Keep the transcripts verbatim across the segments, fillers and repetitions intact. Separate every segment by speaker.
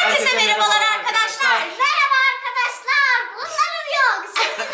Speaker 1: Herkese merhabalar arkadaşlar.
Speaker 2: Merhaba arkadaşlar. Bunlarım yok.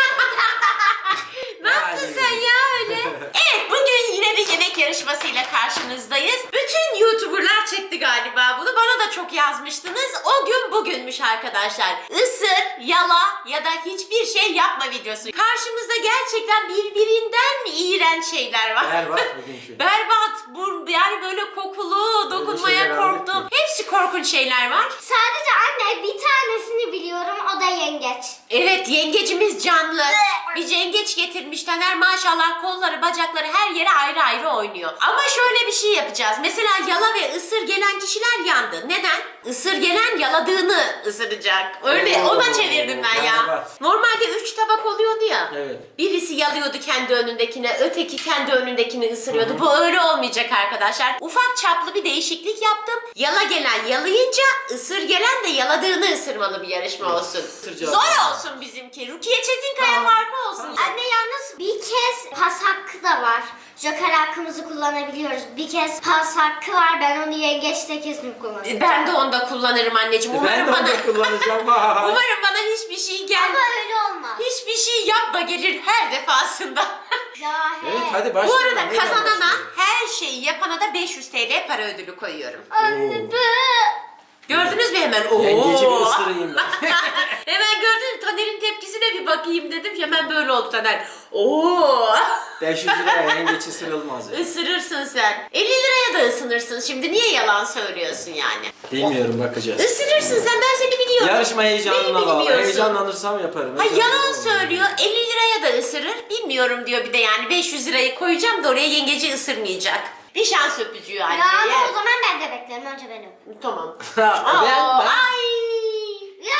Speaker 1: Ne yaptın sen ya öyle? Evet, bugün yine bir yemek yarışmasıyla karşınızdayız. Bütün YouTuber'lar çekti galiba bunu. Bana da çok yazmıştınız. O gün bugünmüş arkadaşlar. Isır, yala ya da hiçbir şey yapma videosu. Karşımızda gerçekten birbirinden iğrenç şeyler var.
Speaker 3: Berbat bugünkü.
Speaker 1: Berbat. Bu, yani böyle kokulu, dokunmaya
Speaker 3: şeyler
Speaker 1: korktum.
Speaker 3: aldık
Speaker 1: Hepsi korkunç şeyler var.
Speaker 2: Sadece anne bir tanesini biliyorum. O da yengeç.
Speaker 1: Evet, yengecimiz canlı. Bir yengeç getirmiş Taner, maşallah kolları bacakları her yere ayrı ayrı oynuyor. Ama şöyle bir şey yapacağız. Mesela yala ve ısır gelen kişiler yandı. Neden? Isır gelen yaladığını ısıracak. Öyle
Speaker 3: Oo,
Speaker 1: ona çevirdim ben ya.
Speaker 3: berbat.
Speaker 1: Normalde üç tabak oluyordu ya.
Speaker 3: Evet.
Speaker 1: Birisi yalıyordu kendi önündekine, öteki kendi önündekini ısırıyordu. Bu öyle olmayacak arkadaşlar. Ufak çaplı bir değişiklik yaptım. Yala gelen yalayınca, ısır gelen de yaladığını ısırmalı bir yarışma olsun.
Speaker 3: Isıracağız.
Speaker 1: Zor olsun bizimki. Rukiye Çetinkaya
Speaker 3: Tamam.
Speaker 1: farkı olsun.
Speaker 2: Anne yalnız bir kez pas hakkı da var. Joker hakkımızı kullanabiliyoruz. Bir kez pas hakkı var. Ben onu yengeçte kesin kullanacağım.
Speaker 1: Ben de onda kullanırım anneciğim. Umarım
Speaker 3: Ben de
Speaker 1: bana
Speaker 3: onu kullanacağım. Vay.
Speaker 1: umarım bana hiçbir şey gel.
Speaker 2: Ama öyle olmaz.
Speaker 1: Hiçbir şey yapma gelir her defasında.
Speaker 2: Ya he.
Speaker 3: Evet hadi
Speaker 1: Bu
Speaker 3: başlayalım.
Speaker 1: arada
Speaker 3: Neyle
Speaker 1: kazanana
Speaker 3: başlayalım?
Speaker 1: her şeyi yapana da beş yüz TL para ödülü koyuyorum.
Speaker 2: Anne be.
Speaker 1: Gördünüz mü hemen? Oo.
Speaker 3: Yengeci bir ısırayım ben.
Speaker 1: Hemen gördün mü? Taner'in tepkisine bir bakayım dedim. Hemen böyle oldu Taner. Oo.
Speaker 3: beş yüz liraya yengeç ısırılmaz ya.
Speaker 1: Isırırsın sen. elli liraya da ısınırsın. Şimdi niye yalan söylüyorsun yani?
Speaker 3: Bilmiyorum, bakacağız.
Speaker 1: Isırırsın sen, ben seni biliyorum.
Speaker 3: Yarışma
Speaker 1: Beni
Speaker 3: heyecanına bağlı.
Speaker 1: bilmiyorsun.
Speaker 3: Heyecanlanırsam yaparım.
Speaker 1: Ha, yalan
Speaker 3: Heyecanlanırsam
Speaker 1: söylüyor. elli liraya da ısırır. Bilmiyorum diyor bir de yani. beş yüz lirayı koyacağım da oraya yengeci ısırmayacak. Bir şans öpücüğü anneye.
Speaker 2: Ya ama o zaman ben de beklerim. Önce ben öpeyim.
Speaker 1: Tamam.
Speaker 3: Ha,
Speaker 1: Aa,
Speaker 3: ben, ben.
Speaker 1: Ay.
Speaker 2: Ya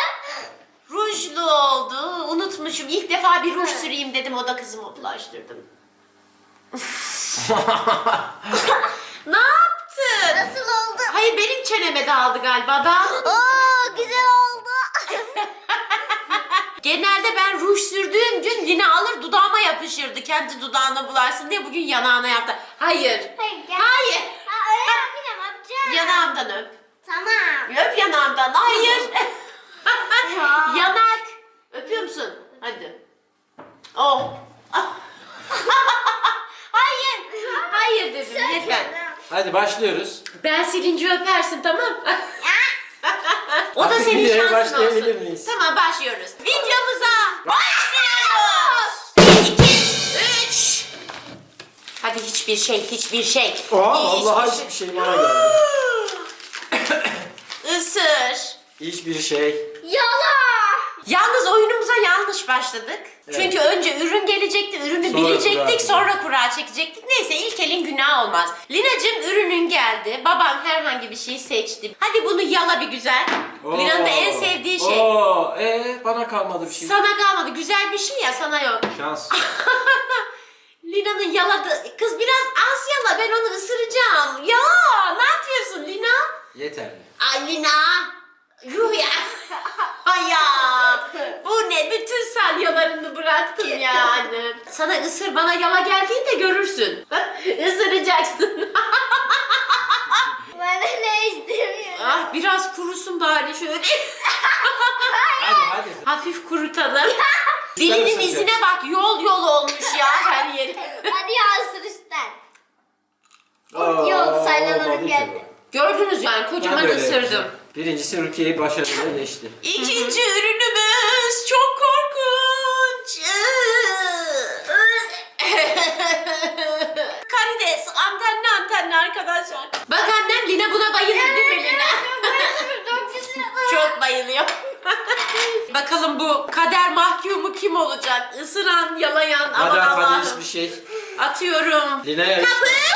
Speaker 1: Rujlu oldu. Unutmuşum. İlk defa bir ruj süreyim dedim. O da kızıma bulaştırdım. Ne yaptın?
Speaker 2: nasıl oldu?
Speaker 1: Hayır, benim çeneme dağıldı galiba. Dağıldı.
Speaker 2: Oo güzel oldu.
Speaker 1: Genelde ben ruj sürdüğüm gün yine alır dudağıma yapışırdı. Kendi dudağına bularsın diye bugün yanağına yaptı. Hayır.
Speaker 2: Hayır, gel.
Speaker 1: Hayır.
Speaker 2: Ha, öyle yapayım yapacağım.
Speaker 1: Yanağımdan öp.
Speaker 2: Tamam.
Speaker 1: Öp yanağımdan. Hayır.
Speaker 2: Ya.
Speaker 1: Yanak. Öpüyor musun? Hadi. Oh. Hayır. Hayır dedim. Yeter.
Speaker 3: Hadi başlıyoruz.
Speaker 1: Ben silinci öpersin, tamam. O da
Speaker 3: Artık
Speaker 1: senin
Speaker 3: videoya
Speaker 1: şansın
Speaker 3: başlayabilir
Speaker 1: olsun.
Speaker 3: miyiz?
Speaker 1: Tamam, başlıyoruz. Videomuza başlıyoruz. Bir, iki, üç. Hadi hiçbir şey, hiçbir şey.
Speaker 3: Oha,
Speaker 1: Hiçbir
Speaker 3: vallahi
Speaker 1: şey.
Speaker 3: hiçbir şey bana geldi.
Speaker 1: Isır.
Speaker 3: Hiçbir şey.
Speaker 2: Yala.
Speaker 1: Yalnız oyunumuza yanlış başladık.
Speaker 3: Evet.
Speaker 1: Çünkü önce ürün gelecekti, ürünü
Speaker 3: Sonra
Speaker 1: bilecektik,
Speaker 3: kura.
Speaker 1: sonra kura çekecektik. Neyse, ilk elin günah olmaz. Lina'cığım, ürünün geldi. Babam herhangi bir şey seçti. Hadi bunu yala bir güzel.
Speaker 3: Oo.
Speaker 1: Lina'nın da en sevdiği şey.
Speaker 3: Oo, ee, bana kalmadı bir şey.
Speaker 1: Sana kalmadı. Güzel bir şey ya, sana yok.
Speaker 3: Şans.
Speaker 1: Lina'nın yaladı. Kız biraz az yala, ben onu ısıracağım. Ya ne yapıyorsun Lina?
Speaker 3: Yeterli.
Speaker 1: Ay Lina. Yuh ya. Ay ya. Bu ne? Bütün salyalarını bıraktın yani. Sana ısır, bana yala geldiğinde görürsün. Isıracaksın.
Speaker 2: Bana ne istemiyorum.
Speaker 1: Ah, biraz kurusun bari şöyle.
Speaker 3: Hadi hadi.
Speaker 1: Hafif kurutalım. Dilinin
Speaker 3: ısıracaksın.
Speaker 1: izine bak, yol yol olmuş ya her yeri.
Speaker 2: Hadi ya ısır üstten.
Speaker 3: Oo,
Speaker 2: Yok, sayılanırım
Speaker 3: olmadı ki
Speaker 2: geldi.
Speaker 1: Gördünüz yani,
Speaker 3: bu.
Speaker 1: kocaman
Speaker 3: Ben de öyle
Speaker 1: ısırdım.
Speaker 3: yapacağım. Birincisi Rukiye'yi başarıyla geçti.
Speaker 1: İkinci ürünümüz çok korkunç. Karides, antenli antenli arkadaşlar. Bak annem, Lina buna bayılır değil mi Lina? Çok bayılıyor. Bakalım bu kader mahkumu kim olacak? Isıran, yalayan, aman
Speaker 3: Hadi hadi
Speaker 1: Allah'ım.
Speaker 3: hiçbir şey.
Speaker 1: Atıyorum.
Speaker 3: Lina'ya
Speaker 1: Kapı.
Speaker 3: işte.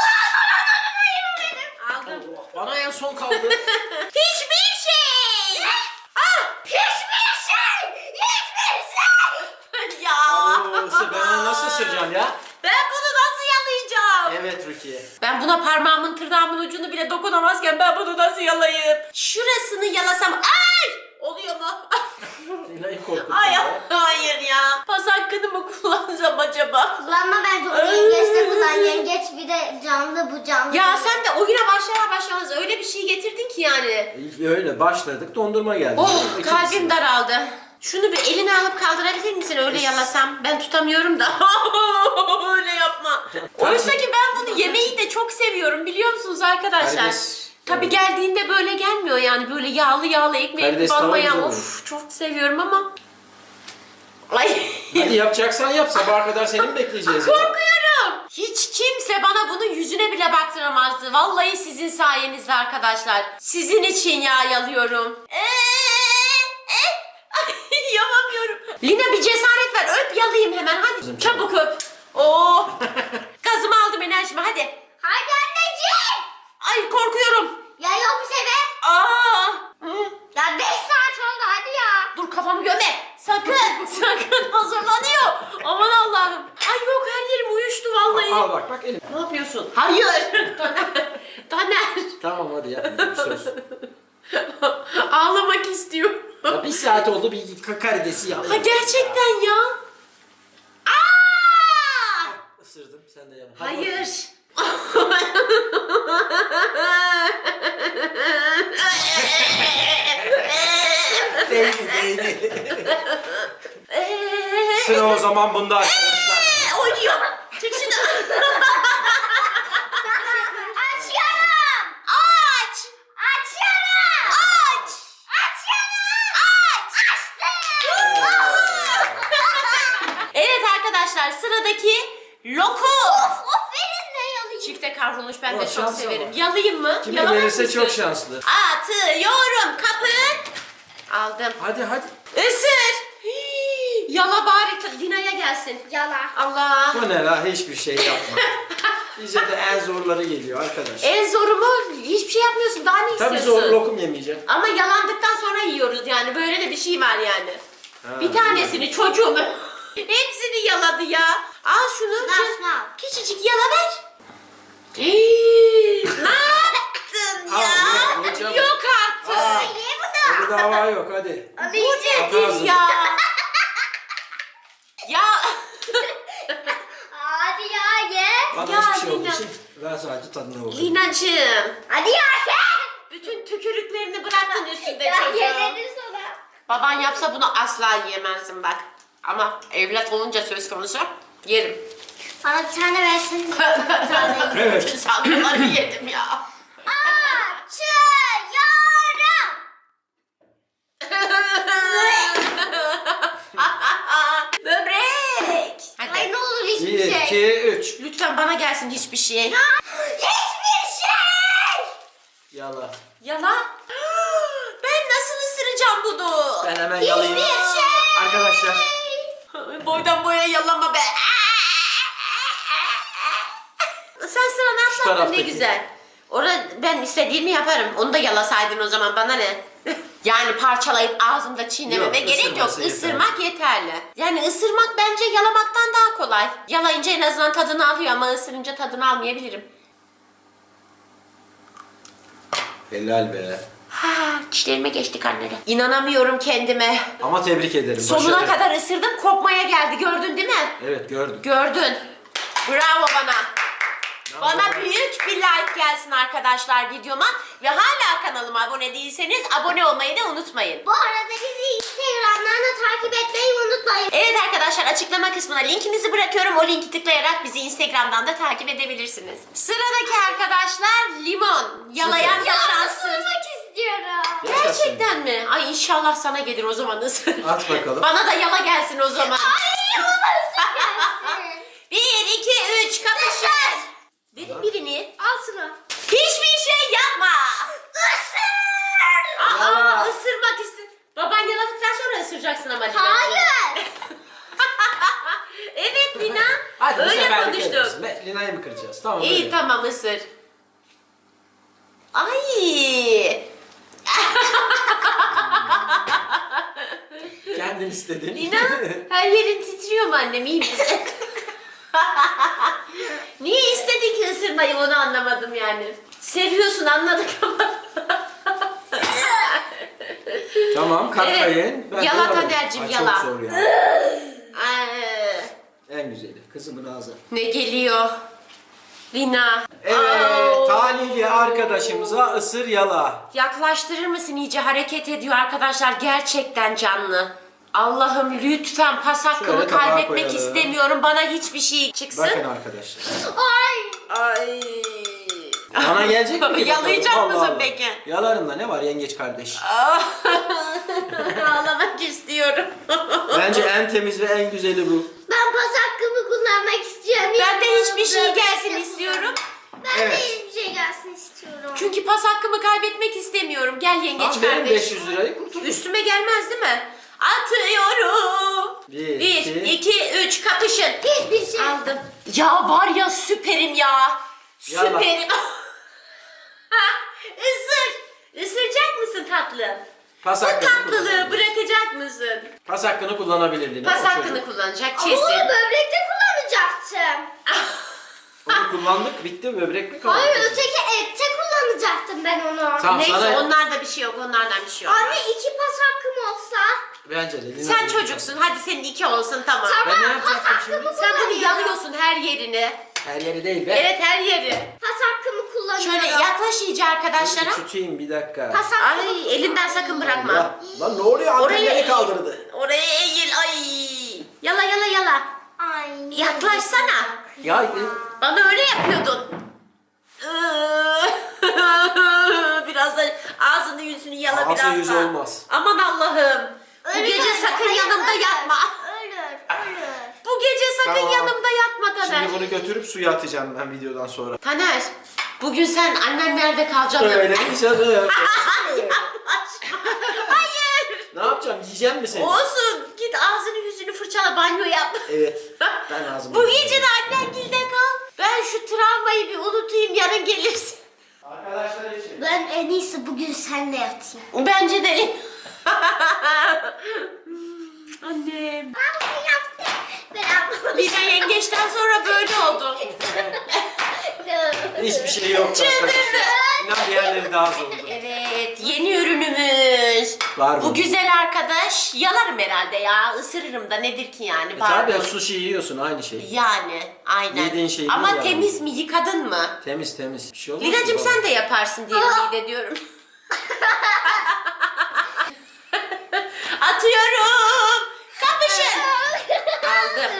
Speaker 1: Aldım.
Speaker 3: Bana en son kaldı.
Speaker 1: Hiçbir şey. Ah,
Speaker 2: Hiçbir şey! Hiçbir şey!
Speaker 1: ya.
Speaker 3: Oo, ısır. Ben onu nasıl ısıracağım ya?
Speaker 1: Ben bunu nasıl yalayacağım?
Speaker 3: Evet Rukiye.
Speaker 1: Ben buna parmağımın tırnağımın ucunu bile dokunamazken ben bunu nasıl yalayayım? Şurasını yalasam ay! Oluyor mu?
Speaker 3: Lina'yı korkuttun
Speaker 1: Ay
Speaker 3: ya.
Speaker 1: hayır ya. Pas hakkını mı kullansam acaba?
Speaker 2: Kullanma bence onu yengeçte kullan. Yengeç bir de canlı bu canlı.
Speaker 1: Ya sen de oyuna başlar başlamaz öyle bir şey getirdin ki yani.
Speaker 3: Öyle başladık, dondurma geldi.
Speaker 1: Oh
Speaker 3: İkincisi.
Speaker 1: kalbim daraldı. Şunu bir eline alıp kaldırabilir misin öyle yalasam? Ben tutamıyorum da. Öyle yapma. Oysa ki ben bunu yemeyi de çok seviyorum biliyor musunuz arkadaşlar?
Speaker 3: Karides.
Speaker 1: Tabii geldiğinde böyle gelmiyor yani böyle yağlı yağlı ekmeği
Speaker 3: Karides tava
Speaker 1: banmayan
Speaker 3: güzel
Speaker 1: of çok seviyorum ama. Ay.
Speaker 3: Hadi yapacaksan yap, sabaha kadar seni mi bekleyeceğiz ya?
Speaker 1: Korkuyorum. Hiç kimse bana bunu yüzüne bile baktıramazdı. Vallahi sizin sayenizde arkadaşlar. Sizin için ya yalıyorum. Eee, e, ay, yapamıyorum. Lina bir cesaret ver. Öp yalayayım hemen hadi. Çabuk öp. Oo. Gazımı aldım enerjimi hadi.
Speaker 2: Hadi anneciğim.
Speaker 1: Ay korkuyorum.
Speaker 2: Ya yok bir şey be.
Speaker 1: Aa. Hı.
Speaker 2: Ya beş saat oldu hadi ya.
Speaker 1: Dur kafamı göme. Sakın. Sakın hazırlanıyor. Aman Allah'ım. Ay yok her yerim uyuştu vallahi.
Speaker 3: Al bak bak elim.
Speaker 1: Ne yapıyorsun? Hayır. Taner.
Speaker 3: Tamam hadi yapmayacağım söz.
Speaker 1: Ağlamak istiyorum.
Speaker 3: Ya bir saat oldu bir ka- karidesi yap.
Speaker 1: Ha gerçekten ya. Aa!
Speaker 3: Isırdım sen de yap. Hadi
Speaker 1: Hayır.
Speaker 3: bakalım. Değdi değdi. Sıra o zaman bunda arkadaşlar.
Speaker 1: Oynuyor. Çık şunu.
Speaker 2: Açıyorum.
Speaker 1: Aç.
Speaker 2: Açıyorum.
Speaker 1: Aç.
Speaker 2: Açıyorum.
Speaker 1: Aç.
Speaker 2: Açtım.
Speaker 1: Evet arkadaşlar sıradaki lokum.
Speaker 2: Of of verin de yalayayım.
Speaker 1: Çifte kavrulmuş ben
Speaker 3: Ama
Speaker 1: de çok
Speaker 3: şansa
Speaker 1: severim.
Speaker 3: bak.
Speaker 1: Yalayayım mı?
Speaker 3: Kime
Speaker 1: Yalamaz
Speaker 3: gelirse
Speaker 1: mısın?
Speaker 3: çok şanslı.
Speaker 1: Atıyorum kapı. Aldım.
Speaker 3: Hadi hadi.
Speaker 1: Isır. Hii, Yala bari Lina'ya gelsin.
Speaker 2: Yala.
Speaker 1: Allah.
Speaker 3: Bu ne la, hiçbir şey yapma. Bize de en zorları geliyor arkadaş.
Speaker 1: En zoru mu? Hiçbir şey yapmıyorsun. Daha ne
Speaker 3: Tabii
Speaker 1: istiyorsun?
Speaker 3: zor lokum yemeyeceğim.
Speaker 1: Ama yalandıktan sonra yiyoruz yani. Böyle de bir şey var yani.
Speaker 3: Ha,
Speaker 1: bir tanesini çocuğum. Hepsini yaladı ya. Al şunu.
Speaker 2: Şunu
Speaker 1: şu-
Speaker 2: al, şunu al.
Speaker 1: Küçücük yala ver. Hii, ne yaptın
Speaker 3: Al,
Speaker 1: ya?
Speaker 3: ye, ye çabuk.
Speaker 1: Yok artık.
Speaker 3: Aa.
Speaker 2: Ye bunu.
Speaker 3: Öyle dava yok hadi.
Speaker 1: Bu nedir
Speaker 3: ağzını.
Speaker 1: ya? ya.
Speaker 2: Hadi ya ye.
Speaker 3: Bana
Speaker 1: Ya
Speaker 3: hiçbir şey olduğu
Speaker 1: Lina.
Speaker 3: için ben sadece tadına bakıyorum.
Speaker 1: Linacığım.
Speaker 2: Hadi ya ye.
Speaker 1: Bütün tükürüklerini bıraktın üstünde
Speaker 2: Ya
Speaker 1: çocuğum.
Speaker 2: ye dedim sana.
Speaker 1: Baban yapsa bunu asla yiyemezdim bak. Ama evlat olunca söz konusu yerim.
Speaker 2: Bana bir tane versin. Bir tane yiyeyim.
Speaker 3: Evet.
Speaker 1: Bütün salgınları yedim ya.
Speaker 2: Açıyorum.
Speaker 1: Böbrek. Hadi.
Speaker 2: Ay ne olur hiçbir
Speaker 3: Bir,
Speaker 2: şey.
Speaker 3: iki, üç.
Speaker 1: Lütfen bana gelsin hiçbir şey.
Speaker 2: Hiçbir şey.
Speaker 3: Yala.
Speaker 1: Yala. Ben nasıl ısıracağım bunu?
Speaker 3: Ben hemen yalayayım.
Speaker 2: Hiçbir şey.
Speaker 3: Arkadaşlar.
Speaker 1: Boydan boya yalama be. Sen sıra ne yapmadın ne
Speaker 3: taraftaki.
Speaker 1: güzel. Orada ben istediğimi yaparım. Onu da yalasaydın o zaman bana ne? Yani parçalayıp ağzımda çiğnememe
Speaker 3: Yok,
Speaker 1: gerek yok.
Speaker 3: ısırması yeterli.
Speaker 1: Isırmak yeterli. Yani ısırmak bence yalamaktan daha kolay. Yalayınca en azından tadını alıyor ama ısırınca tadını almayabilirim.
Speaker 3: Helal be.
Speaker 1: Ha, dişlerime geçti kanları. İnanamıyorum kendime.
Speaker 3: Ama tebrik ederim.
Speaker 1: Sonuna
Speaker 3: başarı.
Speaker 1: kadar ısırdım, kopmaya geldi. Gördün değil mi?
Speaker 3: Evet gördüm.
Speaker 1: Gördün. Bravo bana.
Speaker 3: Bravo.
Speaker 1: Bana büyük bir like gelsin arkadaşlar videoma. Ve hala kanalıma abone değilseniz abone olmayı da unutmayın.
Speaker 2: Bu arada bizi Instagram'dan da takip etmeyi unutmayın.
Speaker 1: Evet arkadaşlar açıklama kısmına linkimizi bırakıyorum. O linki tıklayarak bizi Instagram'dan da takip edebilirsiniz. Sıradaki arkadaşlar limon. Yalayan yalansın.
Speaker 2: Isırmak istiyorum.
Speaker 1: Gerçekten mi? Ay inşallah sana gelir o zaman ısır.
Speaker 3: At bakalım.
Speaker 1: Bana da yala gelsin o zaman.
Speaker 2: Ay bana ısır gelsin.
Speaker 1: Bir, iki, üç, kapışır. Verin birini.
Speaker 2: Al şunu.
Speaker 1: Hiçbir şey yapma.
Speaker 2: Isır.
Speaker 1: Aa,
Speaker 3: Yala.
Speaker 1: ısırmak istir. Baban yaladıktan sonra ısıracaksın ama. Lina'cığım.
Speaker 2: Hayır.
Speaker 1: Evet Lina.
Speaker 3: Hadi bu
Speaker 1: Öyle
Speaker 3: seferlik
Speaker 1: konuştuk.
Speaker 3: ederiz. Be- Lina'yı mı kıracağız? Tamam
Speaker 1: İyi
Speaker 3: öyle.
Speaker 1: tamam ısır. Ay.
Speaker 3: Kendin istedin.
Speaker 1: Lina her yerin titriyor mu annem iyi misin? Niye istedin ki ısırmayı onu anlamadım yani. Seviyorsun anladık ama.
Speaker 3: Tamam katlayın.
Speaker 1: Evet.
Speaker 3: Ben
Speaker 1: Yala
Speaker 3: yalarım.
Speaker 1: Taner'cim,
Speaker 3: Ay,
Speaker 1: yala.
Speaker 3: Çok zor ya.
Speaker 1: Ay,
Speaker 3: En güzeli. Kızımın ağzı.
Speaker 1: ne geliyor? Lina.
Speaker 3: Evet.
Speaker 1: Au.
Speaker 3: Talihli arkadaşımıza ısır yala.
Speaker 1: Yaklaştırır mısın, iyice hareket ediyor arkadaşlar, gerçekten canlı. Allah'ım lütfen pas hakkımı
Speaker 3: Şöyle tabağa
Speaker 1: kaybetmek
Speaker 3: koyalım.
Speaker 1: istemiyorum. Bana hiçbir şey çıksın.
Speaker 3: Bakın arkadaşlar.
Speaker 2: Ay.
Speaker 1: Ay.
Speaker 3: Bana gelecek mi?
Speaker 1: Yalayacak
Speaker 3: Allah
Speaker 1: mısın
Speaker 3: Allah.
Speaker 1: peki?
Speaker 3: Yalarım da ne var yengeç kardeş.
Speaker 1: Ağlamak istiyorum.
Speaker 3: Bence en temiz ve en güzeli bu.
Speaker 2: Ben pas hakkımı kullanmak istiyorum.
Speaker 1: Ben de hiçbir şey
Speaker 2: Yanımda
Speaker 1: gelsin
Speaker 2: bir
Speaker 1: istiyorum.
Speaker 2: Ben
Speaker 3: Evet.
Speaker 2: de hiçbir şey gelsin istiyorum.
Speaker 1: Çünkü pas hakkımı kaybetmek istemiyorum. Gel yengeç
Speaker 3: Tamam verin
Speaker 1: kardeş.
Speaker 3: beş yüz lirayı kurtul.
Speaker 1: Üstüme gelmez değil mi? Atıyorum.
Speaker 3: Bir,
Speaker 1: Bir,
Speaker 3: iki.
Speaker 1: iki, üç, kapışın.
Speaker 2: Hiçbir şey.
Speaker 1: Aldım. Ya var ya, süperim ya.
Speaker 3: Yala.
Speaker 1: Süperim. Isır. Isıracak mısın tatlım?
Speaker 3: Pas
Speaker 1: Bu
Speaker 3: hakkını
Speaker 1: tatlılığı
Speaker 3: kullanabilir.
Speaker 1: bırakacak mısın?
Speaker 3: Pas hakkını kullanabilirdin.
Speaker 1: Pas
Speaker 3: o çocuk.
Speaker 1: hakkını kullanacak
Speaker 2: Ama
Speaker 1: kesin.
Speaker 2: onu böbrekte kullanacaktım.
Speaker 3: Onu kullandık bitti böbrek mi kaldı?
Speaker 2: Hayır öteki ette kullanacaktım ben onu.
Speaker 3: Tamam
Speaker 1: Neyse,
Speaker 3: sana.
Speaker 1: onlarda bir şey yok, onlardan bir şey yok.
Speaker 2: Anne iki pas hakkım olsa.
Speaker 3: Bence de. Lina
Speaker 1: Sen
Speaker 3: bir-
Speaker 1: çocuksun, hadi senin iki olsun, tamam.
Speaker 2: Tamam
Speaker 3: Ben ne
Speaker 2: pas
Speaker 3: yapacaktım
Speaker 2: hakkımı
Speaker 1: Sen bunu
Speaker 2: kullanıyorum.
Speaker 1: yalıyorsun her yerini.
Speaker 3: Her yeri değil be.
Speaker 1: Evet, her yeri.
Speaker 2: Pas hakkımı kullanıyorum.
Speaker 1: Şöyle yaklaş iyice arkadaşlara.
Speaker 3: Tutayım bir dakika.
Speaker 2: Pas hakkımı
Speaker 1: Ay, elinden sakın bırakma.
Speaker 3: Ya, lan ne oluyor? Antenleri
Speaker 1: eğil.
Speaker 3: kaldırdı.
Speaker 1: Oraya eğil, ay. Yala yala yala.
Speaker 2: Ay.
Speaker 1: Yaklaşsana.
Speaker 3: Ya e,
Speaker 1: Bana öyle yapıyordun. Biraz da ağzını yüzünü yala
Speaker 3: Ağzı
Speaker 1: biraz
Speaker 3: yüzü
Speaker 1: da.
Speaker 3: olmaz.
Speaker 1: Aman Allah'ım. Bu
Speaker 2: Ölür,
Speaker 1: gece sakın
Speaker 2: hayır,
Speaker 1: yanımda
Speaker 2: ölür.
Speaker 1: yatma.
Speaker 2: Ölür, ölür.
Speaker 1: Bu gece sakın
Speaker 3: Tamam.
Speaker 1: yanımda yatma Taner.
Speaker 3: şimdi bunu götürüp suya atacağım ben videodan sonra.
Speaker 1: Taner, bugün sen annenlerde kalacaksın.
Speaker 3: Öyle mi canım?
Speaker 1: Hayır.
Speaker 3: Ne yapacağım? Yiyeceğim mi seni?
Speaker 1: Olsun. Git ağzını yüzünü fırçala, banyo yap.
Speaker 3: Evet. Ben ağzımı
Speaker 1: Bu
Speaker 3: yiyeceğim.
Speaker 1: gece de annengilde kal. Ben şu travmayı bir unutayım, yarın gelirsin.
Speaker 3: Arkadaşlar için.
Speaker 2: Ben en iyisi bugün seninle yatayım.
Speaker 1: Bence de. Annem.
Speaker 2: Ben bunu yaptım. Ben
Speaker 1: Lina yengeçten sonra böyle oldu.
Speaker 3: Hiçbir şey yok
Speaker 1: Çıldırdı.
Speaker 3: arkadaşlar. İnan diğerleri daha zordu.
Speaker 1: Evet, yeni ürünümüz.
Speaker 3: Var mı?
Speaker 1: Bu güzel arkadaş yalarım herhalde ya. Isırırım da, nedir ki yani?
Speaker 3: E
Speaker 1: Pardon.
Speaker 3: tabi sushi yiyorsun aynı şey.
Speaker 1: Yani aynen.
Speaker 3: Yediğin şey
Speaker 1: Ama
Speaker 3: değil yani.
Speaker 1: temiz mi? Yıkadın mı?
Speaker 3: Temiz temiz. Bir şey olmaz.
Speaker 1: Lina'cığım
Speaker 3: ki
Speaker 1: sen de yaparsın diye ümit ediyorum. Atıyorum. Kapışın. Aldım.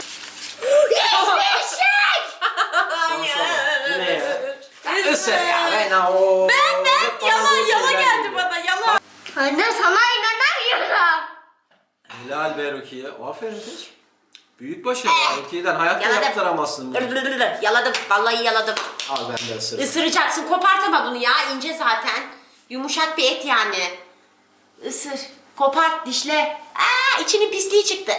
Speaker 3: Şansa bak. Bu ne ya?
Speaker 1: Isır.
Speaker 3: Isır ya ben o.
Speaker 1: Ben ben
Speaker 3: Hep bana
Speaker 1: yalan
Speaker 3: böyle
Speaker 1: yalan
Speaker 3: şeyler
Speaker 1: geldi
Speaker 3: geliyor.
Speaker 1: bana yalan.
Speaker 2: Anne sana inanamıyorum.
Speaker 3: Helal be Rukiye. Aferin kız. Büyük başarı. Rukiye'den hayatta
Speaker 1: Yaladım.
Speaker 3: yaptıramazsın bunu.
Speaker 1: Yaladım. Vallahi yaladım.
Speaker 3: Al ben de ısırırım.
Speaker 1: Isıracaksın. Kopartama bunu ya. İnce zaten. Yumuşak bir et yani. Isır. Kopart, dişle. Aa, içinin pisliği çıktı.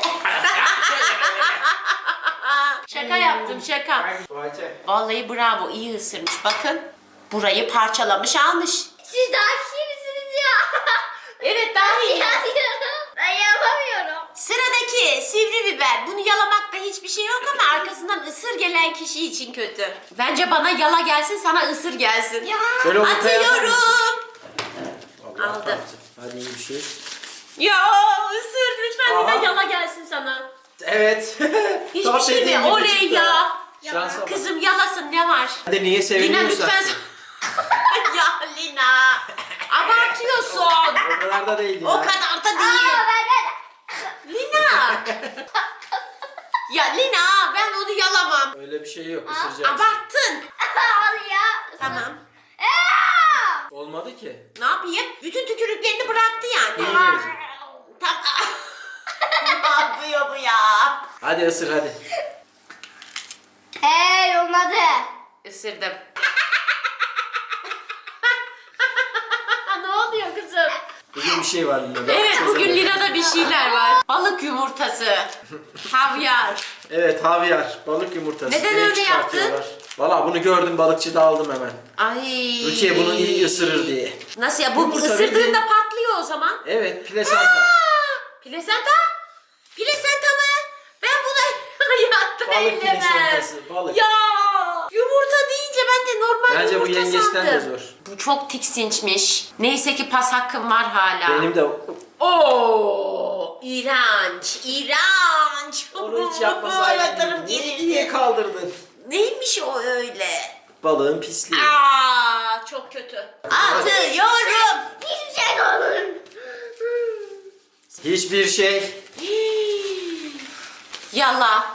Speaker 1: Şaka yaptım, şaka.
Speaker 3: Tuvalete.
Speaker 1: Vallahi bravo, iyi ısırmış. Bakın. Burayı parçalamış almış.
Speaker 2: Siz daha kimsiniz ya?
Speaker 1: Evet, daha iyi.
Speaker 2: Ben yapamıyorum.
Speaker 1: Sıradaki sivri biber. Bunu yalamakta hiçbir şey yok ama arkasından ısır gelen kişi için kötü. Bence bana yala gelsin, sana ısır gelsin.
Speaker 2: Ya.
Speaker 3: Şöyle ortaya atar
Speaker 1: Atıyorum.
Speaker 3: mısın? Allah
Speaker 1: Aldım.
Speaker 3: kahretsin. Hadi iyi bir şey.
Speaker 1: Ya ısır lütfen,
Speaker 3: Aha.
Speaker 1: bir de yala gelsin sana.
Speaker 3: Evet.
Speaker 1: Hiçbir
Speaker 3: Tam
Speaker 1: şey
Speaker 3: dediğim
Speaker 1: mi?
Speaker 3: gibi
Speaker 1: Oley
Speaker 3: çıktı.
Speaker 1: ya.
Speaker 3: Şansa bak.
Speaker 1: Kızım yalasın, ne var?
Speaker 3: Hadi niye
Speaker 1: Lina
Speaker 3: seviniyorsun?
Speaker 1: lütfen. Ya Lina. Abartıyorsun.
Speaker 3: O kadar da değil ya.
Speaker 1: O kadar da
Speaker 2: Aa,
Speaker 1: değil.
Speaker 2: ben de.
Speaker 1: Lina. Ya Lina, ben onu yalamam.
Speaker 3: Öyle bir şey yok. Isıracaksın.
Speaker 1: Abarttın.
Speaker 2: Al ya.
Speaker 1: Tamam.
Speaker 2: Aa!
Speaker 3: Olmadı ki.
Speaker 1: Ne yapayım? Bütün tükürüklerini bıraktı yani.
Speaker 3: İyi verecek.
Speaker 1: Tam. Ne yapıyor bu ya?
Speaker 3: Hadi ısır hadi.
Speaker 2: Hey olmadı.
Speaker 1: Isırdım. Ne oluyor kızım?
Speaker 3: Bugün bir şey var Lina'da.
Speaker 1: Evet, bugün
Speaker 3: Çözemedim.
Speaker 1: Lina'da bir şeyler var. Balık yumurtası, havyar.
Speaker 3: Evet havyar, balık yumurtası.
Speaker 1: Neden
Speaker 3: Direkt
Speaker 1: öyle
Speaker 3: çıkartıyorlar. Valla bunu gördüm balıkçıda aldım hemen.
Speaker 1: Ay.
Speaker 3: Rukiye bunu iyi ısırır diye.
Speaker 1: Nasıl ya? Bu
Speaker 3: Yumurta
Speaker 1: ısırdığında
Speaker 3: bildiğin-
Speaker 1: patlıyor o zaman.
Speaker 3: Evet plasenta.
Speaker 1: Aa, plasenta? Plasenta mı? Ben buna hayatta
Speaker 3: Balık
Speaker 1: ellemem.
Speaker 3: plasentası, balık.
Speaker 1: Ya yumurta deyince ben de normal
Speaker 3: Bence bu
Speaker 1: yumurta
Speaker 3: yengeçten de
Speaker 1: sandım.
Speaker 3: zor.
Speaker 1: Bu çok tiksinçmiş. Neyse ki pas hakkım var hala.
Speaker 3: Benim de
Speaker 1: Oo, iğrenç, iğrenç.
Speaker 3: onu hiç yapmasaydın.
Speaker 1: Ayaklarım
Speaker 3: Niye,
Speaker 1: gerildi.
Speaker 3: niye kaldırdın?
Speaker 1: Neymiş o öyle?
Speaker 3: Balığın pisliği.
Speaker 1: Aa, çok kötü. Atıyorum.
Speaker 2: Hiçbir şey olur.
Speaker 3: Hiçbir şey.
Speaker 1: Yala.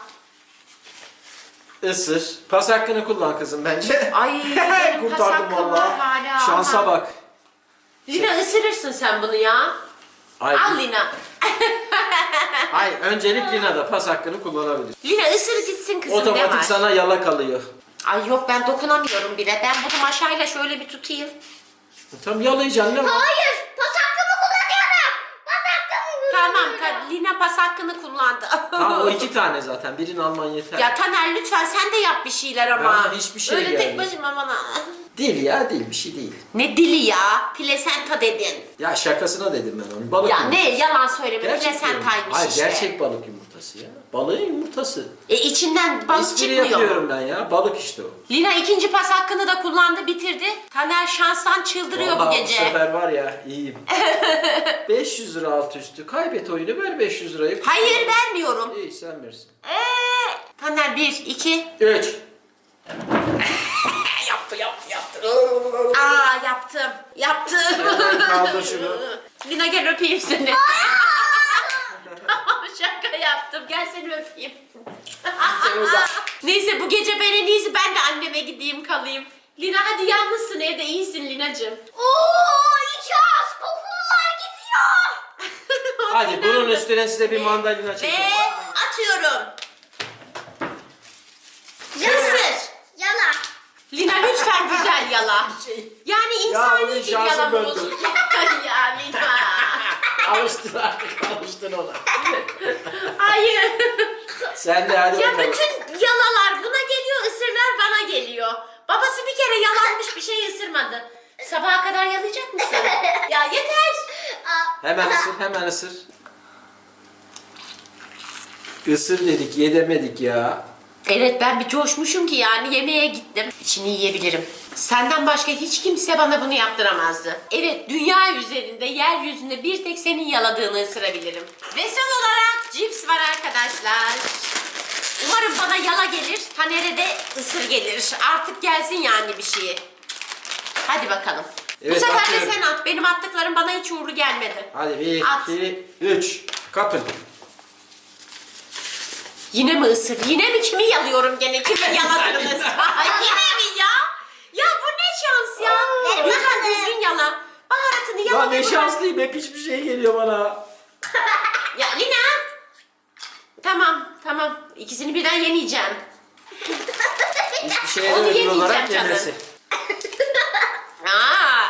Speaker 3: Isır. Pas hakkını kullan kızım bence.
Speaker 1: Ay, benim pas
Speaker 3: Kurtardım
Speaker 1: hakkım var
Speaker 3: valla.
Speaker 1: hala.
Speaker 3: Şansa
Speaker 1: Aha.
Speaker 3: bak.
Speaker 1: Lina ısırırsın sen bunu ya.
Speaker 3: Ay,
Speaker 1: Al Lina.
Speaker 3: Hayır, öncelik Lina'da pas hakkını kullanabilir.
Speaker 1: Lina ısır gitsin kızım, ne
Speaker 3: Otomatik
Speaker 1: var?
Speaker 3: sana yala kalıyor.
Speaker 1: Ay yok, ben dokunamıyorum bile. Ben bunu maşayla şöyle bir tutayım.
Speaker 3: Tam yalayacaksın ne var?
Speaker 2: Hayır. Pas hakkımı kullanıyorum. Pas hakkımı
Speaker 1: Tamam,
Speaker 2: kullanıyorum.
Speaker 1: ka- Lina pas hakkını kullandı.
Speaker 3: Tamam o iki tane zaten. Birini alman yeter.
Speaker 1: Ya Taner lütfen sen de yap bir şeyler ama.
Speaker 3: Bana hiçbir şey
Speaker 1: Öyle tek
Speaker 3: gelmiyor.
Speaker 1: başıma bana.
Speaker 3: Değil ya, değil bir şey değil.
Speaker 1: Ne dili ya? Plasenta dedin.
Speaker 3: Ya şakasına dedim ben onu. Balık
Speaker 1: Ya
Speaker 3: yumurtası.
Speaker 1: ne yalan söyleme,
Speaker 3: Gerçek yumurta.
Speaker 1: plasentaymış
Speaker 3: Hayır,
Speaker 1: işte.
Speaker 3: gerçek balık yumurtası ya. Balığın yumurtası.
Speaker 1: E içinden balık
Speaker 3: Espri
Speaker 1: çıkmıyor mu?
Speaker 3: yapıyorum ben ya. Balık işte o.
Speaker 1: Lina ikinci pas hakkını da kullandı, bitirdi. Taner şanstan çıldırıyor bu
Speaker 3: Vallahi
Speaker 1: gece.
Speaker 3: bu sefer var ya iyiyim. beş yüz lira alt üstü. Kaybet oyunu, ver beş yüz lirayı.
Speaker 1: Hayır, vermiyorum.
Speaker 3: İyi, sen verirsin.
Speaker 1: Eee Taner bir, iki.
Speaker 3: üç.
Speaker 1: Yaptı, yaptı, yaptı. Aa, yaptım, yaptım.
Speaker 3: Hemen kaldır şunu.
Speaker 1: Lina gel öpeyim seni. Tamam, şaka yaptım. Gel seni öpeyim. Neyse, bu gece ben en iyisi ben de anneme gideyim kalayım. Lina hadi, yalnızsın evde, iyisin Linacığım.
Speaker 2: Oo, iki ağız kokular gidiyor.
Speaker 3: Hadi bunun üstüne size bir mandalina
Speaker 1: Ve
Speaker 3: çekin.
Speaker 1: atıyorum.
Speaker 2: Yala.
Speaker 1: Isır.
Speaker 2: Yala.
Speaker 1: Lina lütfen güzel yala. Yani insani
Speaker 3: bugün
Speaker 1: bir
Speaker 3: şansım
Speaker 1: yalan
Speaker 3: döndü.
Speaker 1: olsun. Ya Lina.
Speaker 3: Alıştın artık, alıştın ona.
Speaker 1: Hayır.
Speaker 3: Sen de hadi
Speaker 1: Ya
Speaker 3: bakalım.
Speaker 1: bütün yalalar buna geliyor, ısırlar bana geliyor. Babası bir kere yalanmış, bir şey ısırmadı. Sabaha kadar yalayacak mısın? Ya yeter.
Speaker 2: Aa,
Speaker 3: Hemen ısır, hemen ısır. Isır dedik, yedemedik ya.
Speaker 1: Evet, ben bir coşmuşum ki yani yemeğe gittim. İçini yiyebilirim. Senden başka hiç kimse bana bunu yaptıramazdı. Evet, dünya üzerinde, yeryüzünde bir tek senin yaladığını ısırabilirim. Ve son olarak cips var arkadaşlar. Umarım bana yala gelir, Taner'e de ısır gelir. Artık gelsin yani bir şey. Hadi bakalım.
Speaker 3: Evet,
Speaker 1: Bu sefer de
Speaker 3: atıyorum.
Speaker 1: sen at. Benim attıklarım bana hiç uğurlu gelmedi.
Speaker 3: Hadi bir,
Speaker 1: At.
Speaker 3: iki, üç. Kapın.
Speaker 1: Yine mi ısır? Yine mi? Kimi yalıyorum gene? Kimi yaladınız? Ay, yine mi ya? Ya bu ne şans ya?
Speaker 2: Ver
Speaker 1: Lütfen
Speaker 2: bakalım.
Speaker 1: düzgün yala. Baharatını yala.
Speaker 3: Lan ne
Speaker 1: ve bırak.
Speaker 3: şanslıyım, hep hiçbir şey geliyor bana.
Speaker 1: Ya Lina. Tamam tamam. İkisini birden yemeyeceğim.
Speaker 3: Hiçbir şeye
Speaker 1: Onu
Speaker 3: de ödül
Speaker 1: yemeyeceğim
Speaker 3: olarak
Speaker 1: canım.
Speaker 3: yemesi.
Speaker 1: Aa.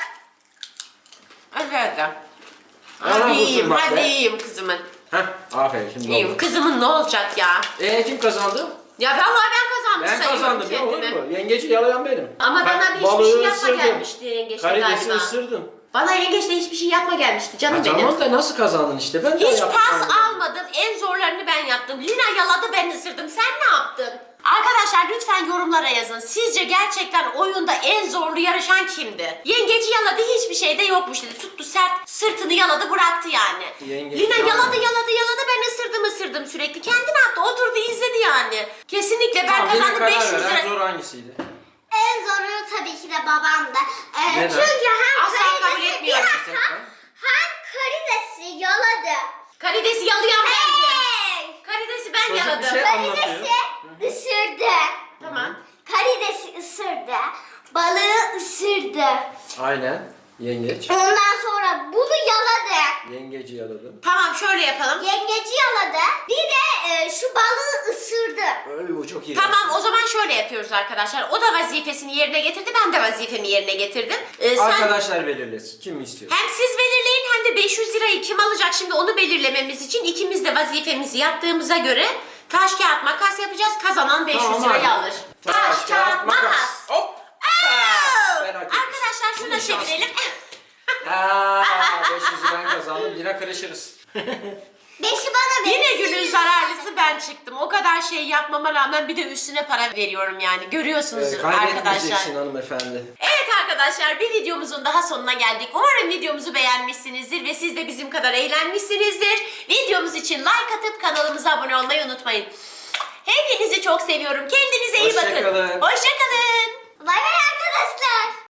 Speaker 1: Hadi hadi.
Speaker 3: Yalan
Speaker 1: Hadi
Speaker 3: olsun
Speaker 1: yiyeyim,
Speaker 3: bak
Speaker 1: hadi
Speaker 3: be.
Speaker 1: yiyeyim kızımın.
Speaker 3: Heh, aferin şimdi
Speaker 1: Yiyeyim.
Speaker 3: oldu.
Speaker 1: Kızımın ne olacak ya?
Speaker 3: Eee kim kazandı?
Speaker 1: Ya vallahi ben kazandım
Speaker 3: Ben
Speaker 1: sayıyorum
Speaker 3: kazandım ya, olur
Speaker 1: kendimi.
Speaker 3: mu? Yengeci yalayan benim.
Speaker 1: Ama bana
Speaker 3: Ben
Speaker 1: bir hiçbir
Speaker 3: balığı
Speaker 1: şey yapma
Speaker 3: ısırdım.
Speaker 1: gelmişti yengeçte
Speaker 3: Karidesi
Speaker 1: galiba.
Speaker 3: ısırdım.
Speaker 1: Bana yengeçle hiçbir şey yapma gelmişti canım
Speaker 3: Ha,
Speaker 1: benim.
Speaker 3: tamam da nasıl kazandın işte, ben de
Speaker 1: Hiç
Speaker 3: yaptım
Speaker 1: pas
Speaker 3: aynı.
Speaker 1: almadım. En zorlarını ben yaptım. Lina yaladı, ben ısırdım. Sen ne yaptın? Arkadaşlar lütfen yorumlara yazın. Sizce gerçekten oyunda en zorlu yarışan kimdi? Yengeci yaladı, hiçbir şey de yokmuş dedi. Tuttu sert, sırtını yaladı, bıraktı yani.
Speaker 3: Yengeç
Speaker 1: Lina
Speaker 3: yaladı.
Speaker 1: yaladı yaladı yaladı, ben ısırdım ısırdım sürekli. Kendi ne yaptı? Oturdu izledi yani. Kesinlikle ben
Speaker 3: Tamam, yine
Speaker 1: kazandım
Speaker 3: karar
Speaker 1: beş yüz
Speaker 3: ver. En
Speaker 1: lira.
Speaker 3: zor hangisiydi?
Speaker 2: en zoru tabii ki de babamdı. Ee,
Speaker 3: Neden?
Speaker 2: çünkü hem
Speaker 1: Asla kabul
Speaker 2: karidesi
Speaker 1: etmiyorum.
Speaker 2: bir dakika, hem karidesi yaladı.
Speaker 1: Karidesi yalayan bendim.
Speaker 2: Hey!
Speaker 1: Karidesi ben
Speaker 3: Çocuk bir
Speaker 1: yaladım.
Speaker 3: şey-
Speaker 2: Karidesi
Speaker 3: anlatıyor.
Speaker 2: ısırdı.
Speaker 1: Tamam.
Speaker 2: Karidesi ısırdı. Balığı ısırdı.
Speaker 3: Aynen. Yengeç.
Speaker 2: Ondan sonra bunu yaladı.
Speaker 3: Yengeci yaladım.
Speaker 1: Tamam, şöyle yapalım.
Speaker 2: Yengeci yaladı. Bir de e, şu balığı ısırdı.
Speaker 3: Öyle bu çok iyi.
Speaker 1: Tamam, o zaman şöyle yapıyoruz arkadaşlar. O da vazifesini yerine getirdi, ben de vazifemi yerine getirdim. Ee, sen
Speaker 3: Arkadaşlar belirlesin. Kim istiyor?
Speaker 1: hem siz belirleyin hem de beş yüz lirayı kim alacak şimdi onu belirlememiz için ikimiz de vazifemizi yaptığımıza göre taş kağıt makas yapacağız. Kazanan beş yüz
Speaker 3: Tamam,
Speaker 1: lirayı
Speaker 3: hadi.
Speaker 1: alır. Taş, kağıt makas.
Speaker 3: Hop.
Speaker 1: Aa!
Speaker 3: Ben hak ettim.
Speaker 1: Arkadaşlar şunu da
Speaker 3: Bugün şans.
Speaker 1: çevirelim.
Speaker 3: Aa, beş yüz ben kazandım. Yine karışırız.
Speaker 2: Beşi bana verin.
Speaker 1: Yine günün zararlısı ben çıktım. O kadar şey yapmama rağmen bir de üstüne para veriyorum yani. Görüyorsunuz
Speaker 3: Ee,
Speaker 1: arkadaşlar.
Speaker 3: kaybetmeyeceksin hanımefendi.
Speaker 1: Evet arkadaşlar, bir videomuzun daha sonuna geldik. Umarım videomuzu beğenmişsinizdir ve siz de bizim kadar eğlenmişsinizdir. Videomuz için like atıp kanalımıza abone olmayı unutmayın. Hepinizi çok seviyorum. Kendinize iyi
Speaker 3: Hoşça
Speaker 1: bakın.
Speaker 3: kalın.
Speaker 1: Hoşçakalın.
Speaker 2: Bay bay arkadaşlar.